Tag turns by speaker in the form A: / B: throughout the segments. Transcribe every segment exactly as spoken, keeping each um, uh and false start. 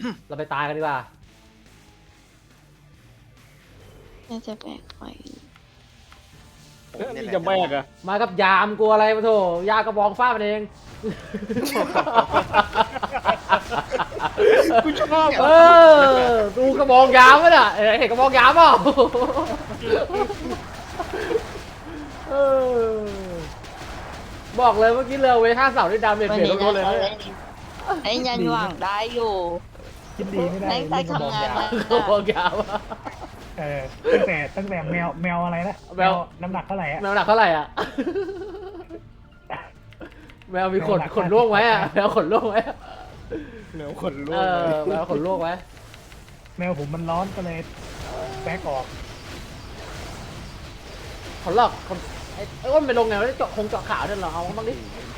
A: เราไปตายกันดีกว่า
B: น่าจะแบกไป
C: เอ้ยนี่จะแบกอะ
A: มากับยามกลัวอะไรมาโถยากระบองฟาดมันเอง
C: กูชอบ
A: เออดูกระบองยามมั้ยน่ะเห็นกระบองยามเปล่าเออบอกเลยเมื่อกี้เรือเวห้าเสาด้วยดาเมจ
B: วัน
A: เปลี่ยน
B: นี้
A: ลดเลยนะ
B: ไอ้ยันหวังได้อยู่
D: คิดดีไม่ได้
B: แม่งใช้
D: เรื่องกระบอง
B: ทำงาน
D: ยาว
B: มา
A: กระบองยามอะ
D: เออตั้งแต่ตั้งแต่แมวแมวอะไรนะ
A: แมว
D: น้ำหนักเท่าไหร่อะ
A: แมวหนักเท่าไหร่อ่ะแมวมีขนขนล่วงไว้อ่ะแมวขนล่วงไว้อะ
C: เหนียวขนลุ
A: เอก อแมวขนล่วงไว้
D: แมวผมมันร้อนก็เลยแบกออก
A: ขนหลอกคนไอ้ไอ้อ้นไปลงไงวะเจาะคงเจาะขาวเนี่ยเหรอเอาบ้างดิ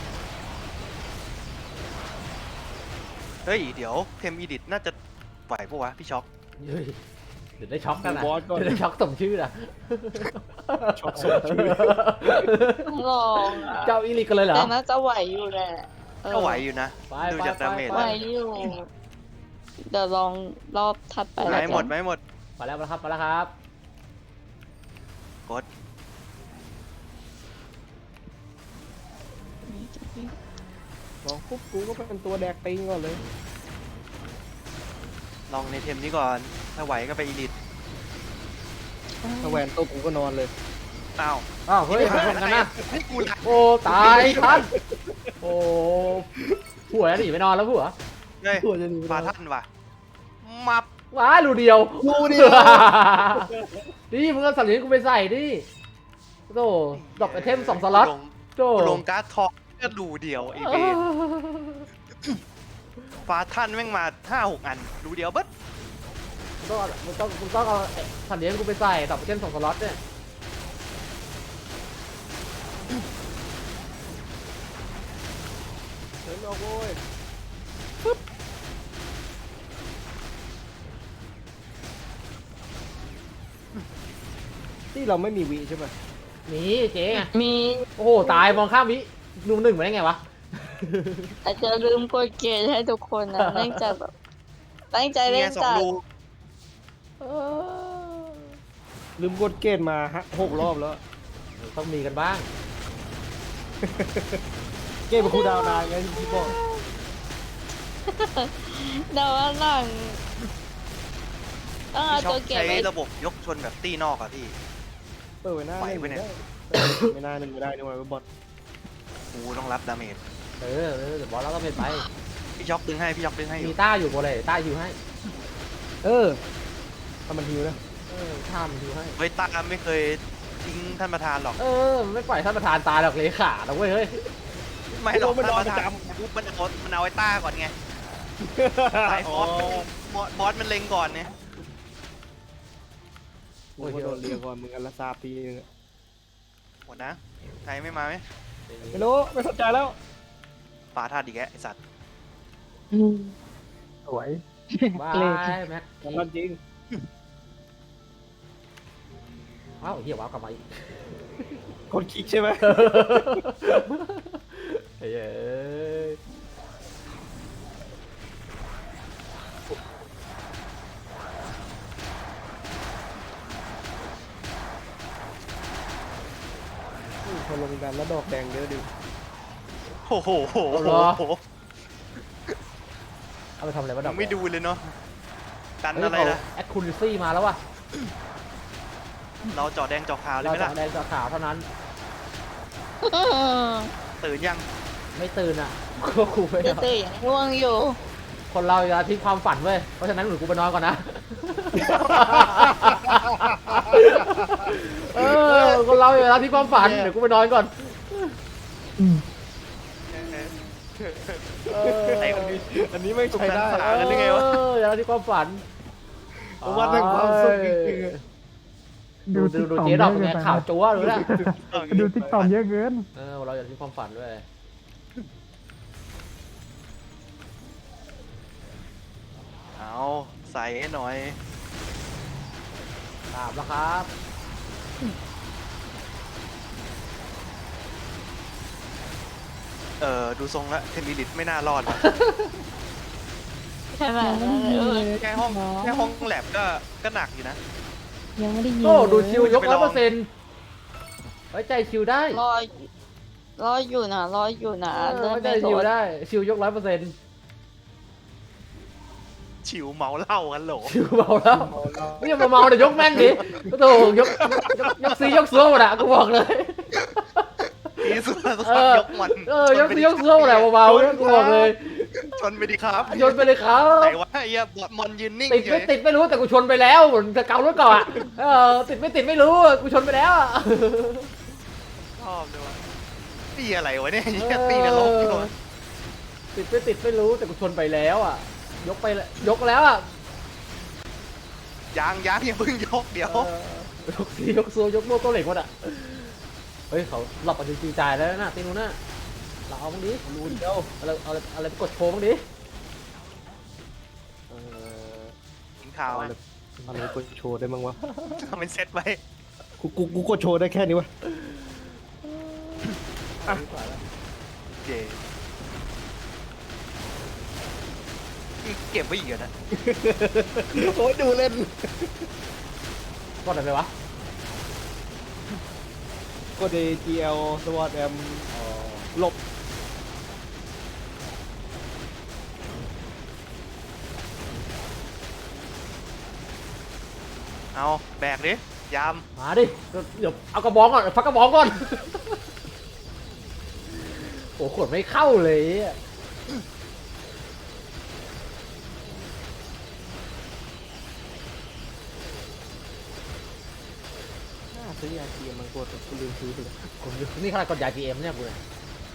E: เฮ้ย เดี๋ยวเทมอีดิทน่าจะไหวปะวะพี่ช็อก
A: เฮ้ยเดี๋ยวได้ช็อกกันนะ
C: บอสก่อน
A: เดี๋ยวได้ช็อกสมชื่อนะ
C: ช็อกสมชื่อ
B: ลองอะ
A: เจ้าอีลิกกันเลยเหรอ
B: แต่น่าจะไหวอยู่แหละเออ
E: ก็ไหวอยู่นะ
A: ไป
E: ดู
A: ไป
E: จาก
A: ไป
E: ดาเมจ
A: ไป
B: ไหวอยู่ เดี๋ยวลองรอบถัดไป
E: ไห
B: แล้ว
E: ม
B: กัน
E: หมดไหมหมด
A: มาแล้วมาแล้วครับมาแล้วครับ
E: กด
C: ลองปุ๊บกูก็เป็นตัวแดกติงก่อนเลย
E: ลองในเทมนี้ก่อน ถ้าไหวก็ไปอีดิท
C: ถ้าแหวนตกกูก็นอนเลย
E: อ้าว
A: อ้าวเฮ้ยชนกันนะ
E: ให้กูละ
A: โอ้ตายทันโอ้ผัวหนีไปนอนแล้วผัว
E: เฮ้ย
C: ตัวจะหนี
E: ฟาท่านว่ะมับ
A: ว้ารูเดียว
C: รูเดียว
A: นี่มึงเอาสัตว์เลี้ยงกูไปใส่ดิโตดรอปไอเทมสองสล็อต
E: ลง
A: โต
E: ลงการ์ดทองก็ดูเดียวไอเวนฟาท่านแม่งมาห้าหกอัน ดูเดียวเบิด
A: มึงต้องเอามึงต้องมึงต้องเอาไอ้สัตว์เลี้ยงกูไปใส่ดรอปไอเทมสองสล็อตเนี่ย
C: เดินออกโว้ยที่เราไม่มีวีใช่ไหม
A: หนีเจ๊ไง
B: มี
A: โอ้โหตายมองข้ามวิลุมหนึ่งมาได้ไงวะ
B: อาจจะลืมกดเกณฑ์ให้ทุกคนนะเนื่องจากแบบตั้งใจเล่
E: เนี่ย
B: น
E: สอง
B: จัด
E: รู
A: เออ
C: ลืมกดเกณฑ์มาฮะหกรอบแล้ว
A: ต้องมีกันบ้าง
C: เกณฑ์เป็นครูดาวนานไงที่พี่บอก
B: เดี๋ยววันหลังต้องเอา
E: พี่ช็อ
B: ตัว
E: ก
B: เก็บ
E: ใช้
B: ไว้
E: ระบบยกชนแบบตีนอกอะพี่
C: เปิดไว้หน้า
E: ไหว
C: หนึ่ง
E: ปะเนี่ย
C: ได้ไม่น่าหนึ่งไม่ได้นี่หว่าบอล
E: กูต้องรับดาเมจ
A: เออเออเดี๋ยวบอสเราต้องเป็นไป
E: พี่ช็อกดึงให้ พี่ช็อกดึงให้อยู่
A: มีต้าอยู่บนเลยต้าอยู่ให้
C: เออทำมันฮิวนะ
A: เออท่ามันอยู่ให้
E: เฮ้ยตาไม่เคยทิ้งท่านประธานหรอก
A: เออมันไม่ปล่อยท่านประธานตายหรอกเลขาหรอกเว้ยเฮ้ย
E: ไม่หรอก
C: โอ้มัน
E: ท่าน
C: รอ
E: ประธาน
C: ประจ
E: ปุ๊บมันเอามันเอาไอ้ต้าก่อนไงสายบอสบอสบอสมันเล็งก่อนเนี่ย
C: โอ้ยโดนเรียกก่อนมึงอันละซาปีนึงอะ
E: หมดนะใครไม่มาไหม
C: ไม่รู้ไม่สนใจแล้ว
E: ปาธาตุอีกแกไอสัตว์
B: อืม
D: สวย
A: บายแม็ก
C: ทำมันจริง
A: ว้าวเหี้ยว้าวกลับมาอีก
C: กดคลิกใช่ไหม
A: เฮ้ย
C: พอลงดันแล้วดอกแดงเยอะดิ
E: โอ้โหโหโหโห
A: เอาไปทำอะไรวะดอก
E: ไม่ดูเลยเนาะดันอะไรล่ะ
A: แอคคูลิซี่มาแล้วว่ะ
E: เราเจาะแดงเจาะขาวเลย
A: เรา
E: ไหม
A: จะ
E: ล่ะ
A: แดงจะขาวเท่านั้น
E: ตื่นยัง
A: ไม่ตื่นอ่ะ ก็คูไม่
B: จะ
A: เอา
B: ตื่นยังง่วงอยู่
A: คนเราอย่าทิ้งความฝันเว้ย เพราะฉะนั้นหนูกูไปนอนก่อนนะ เออ คนเราอย่าทิ้งความฝัน เดี๋ยวกูไปนอนก่อน เออ
E: ไอ้คนนี้
C: อันนี้ไม่ใช่ได้
E: สุขสันต์ กันได้ไงวะ
A: เอออย่าทิ้งความฝัน
C: วันแห่งความสุขจริง
A: ดูดูดูเจ๊ดอกเป็นไงข่าวจั๊วรู้ละ
D: ดูติ๊กต็อกเยอะเกิน
A: เออ เราอย่าทิ้งความฝันด้วย
E: เอาใส่ให้หน่อย
A: ตามแล้วครับ
E: เออดูทรงแล้วเทมบิลิตไม่น่ารอดว่ะ
B: ทขนาดนั้นเลยเออ
E: แค่ห้องแค่ห้องแลบก็ก็หนักอยู่นะ
F: ยังไม่ได้ยิน
A: โอ้ดู
F: เลย
A: ชิวยกร้อยเปอร์เซ็นต์ไว้ใจชิวได้
B: รอรออยู่นะรออยู่นะ
A: เออ
B: เลื่อน
A: ไว้ใจ
B: ไม่ล
A: ชิว
B: ด
A: ได้ชิวยกร้อยเปอร์เซ็นต์
E: ฉิวเมาเหล้ากันโหล
A: ชิวเมาแล้วไม่ยังมาเมาเดี๋ยวยกแม่นดิก็โถยกยกยกซียกซัวหมดอะกูบอกเลย
E: ตีสุดแล้ว
A: เออย
E: กมัน
A: เออยกซียกซัวหมดอะเบาๆเนี่ยกูบอกเลย
E: ชนไปดิครับ
A: โยนไปเลยครับ
E: ไหนวะไอ้เหี้ยบอดมอนยืนนิ่ง
A: ติด
E: เฉ
A: ไม่
E: ย
A: ติดไม่รู้แต่กูชนไปแล้วเหมือนจะเการถก่อนอะเออติดไม่ติดไม่รู้อะกูชนไปแล้วอะ
E: ชอบเลยวะตีอะไรวะเนี่ยเหี้ยตีนรกอยู่วะ
A: ติดไม่ติดไม่รู้แต่กูชนไปแล้วอ่ะ ยกไปแล้วยกแล้วอ่ะ
E: ยางยางอย่าเพิ่งยกเดี๋ยว
A: เออยกซียกซัวยกโม่ตัวเหล็กหมดอ่ะเฮ้ยเขาหลอกกันจริงๆจ่ายแล้วนะตีนู้นน่ะเราเอาบ้างดิ
C: รูนเดียว
A: อะไรอะไรอะไรไปกดโชว์บ้างดิ
C: เออ
E: กินข้าว
C: เอา
E: อะ
C: อะไรอะไรกดโชว์ได้บ้างวะ
E: ทำเป็นเซตไว้
C: กูกูกูกดโชว์ได้แค่นี้วะ
E: เจนี่เก็บไว้อีกเหรอนะ
C: โอ้ยดูเล่น
A: กดอะไรไปวะ
C: กด จี แอล สวอตแอมหลบ
E: เอาแบกดิยาม
A: มาดิเดี๋ยวเอากระบองก่อนพักกระบองก่อนโอ้ขวดไม่เข้าเลยอะ
C: น่าซื้อยาเกียร์มันกดกูลืมซื้อไปเลย
A: ผมนี่ขนาดกดยา จี เอ็ม เนี่ยกูเนี่ย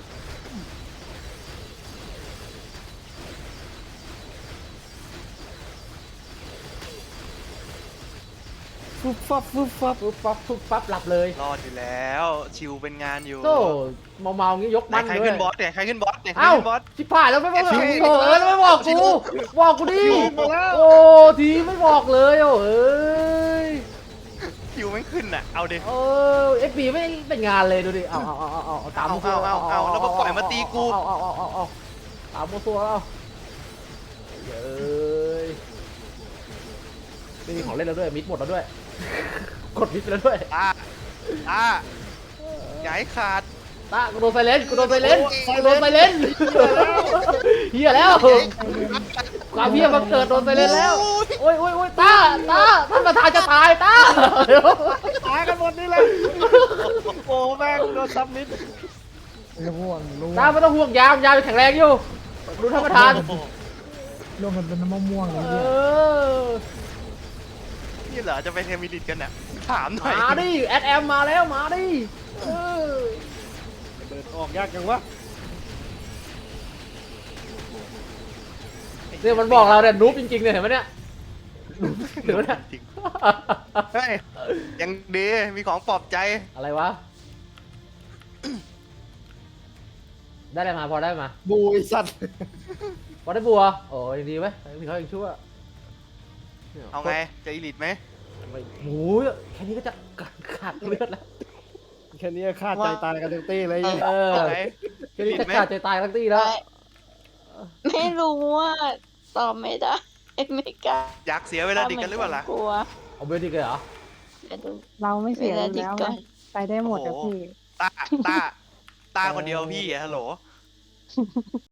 C: ฟึบฟับฟึบฟับ
A: ปุ๊บปั๊บปุ๊บปั๊บหลับเลย
E: รอดอยู่แล้ว ชิวเป็นงานอยู่
A: โต้เมาเมาๆงี้ยก
E: ไหน
A: มัน
E: ใคร
A: ด้ว
E: ขึ้
A: ย
E: นบอสเนี่ยใครขึ้นบอสเนี่ยใคร
A: เอ้า
E: ขึ้นบอส
A: ชิบหายแล้วไม่บอก
E: ชิว
A: โอ้เออแล้วไม่บอก
E: ชิ
A: กู
E: ว
A: บอกกูดิ
C: ชิวมาแล้ว
A: โอ้ทีไม่บอกเลยโอ้เอ้ย
E: ชิวไม่ขึ้นอ่ะ เอาดิ
A: เออเอฟบีไม่เป็นงานเลยดูดิเอาเอาเอาเอาเอาเอาตาม
E: เอา
A: โมซัว
E: เอาเอาเอาแล้วมาปล่อยมาตีกู
A: เอาเอาเอาเอาเอาตามโมซัวแล้วเย้ยไม่มีของเล่นแล้วด้วยมิดหมดแล้วด้วยกดมิดไปแล้วด้วย
E: ตาตาอย่าให้ขาด
A: ตากูโดนไซเลนกูโดนไซเลนกูโดนไซเลนเฮียแล้วความเฮียบังเกิดโดนไซเลนแล้วโอ้ยโอ้ยโอ้ยตาตาท่านประธานจะตายตาเดี๋ยว
C: ตายกันหมดนี่เลยโอ้แม่งโดนซับมิด
D: ร่วงร่วง
A: ตาไม่ต้องห่วงยามยามยังแข็งแรงอยู่ดูท่านประธาน
D: ร่วงกันเป็นน้ำมะม่วงเลย
A: เอ
D: เนี่ย
A: อ
E: นี่เหรอจะไปเทมิลิตกันน่ะถามหน่อย
A: มาดิแอดแอมมาแล้วมาดิเออ
C: เดินออกยากจังวะ
A: เนี่ยมันบอกเราเนี่ยนูบจริงๆเนี่ยเห็นไหมเนี่ยเห็นไหมเนี่ย
E: จริงเฮ้ยยังดีมีของปลอบใจ
A: อะไรวะได้อะไรมาพอได้มา
C: บูไอ้สัตว์
A: พอได้บัวโอ้ยดีไหมมีเขายังชั่ว
E: เอาไงจะอีลิตไหม
A: ไม่โอ้ยแค่นี้ก็จะขาดเลือดแล้ว
C: แค่นี้ฆ่าใจตายกันทั้งตี้เลย
A: เออ
E: เอาไง
A: แค่นี้จะขาดใจตายทั้งที่แล้ว
B: ไม่รู้ว่าตอบไม่ได้ไม่กล้า
E: อยากเสียเวลาดิกันหรือเปล่าล่ะ
B: กลัว
A: เอาเบลดิกเลยเหรอ
B: เดี๋ยวดู
F: เราไม่เสีย
B: เว
F: แล้
B: ลาว ดีก่อน
F: ไปได้หมดอะ
E: โอ้โห
F: พี่
E: ตาตาตาคนเดียวพี่อะฮัลโหล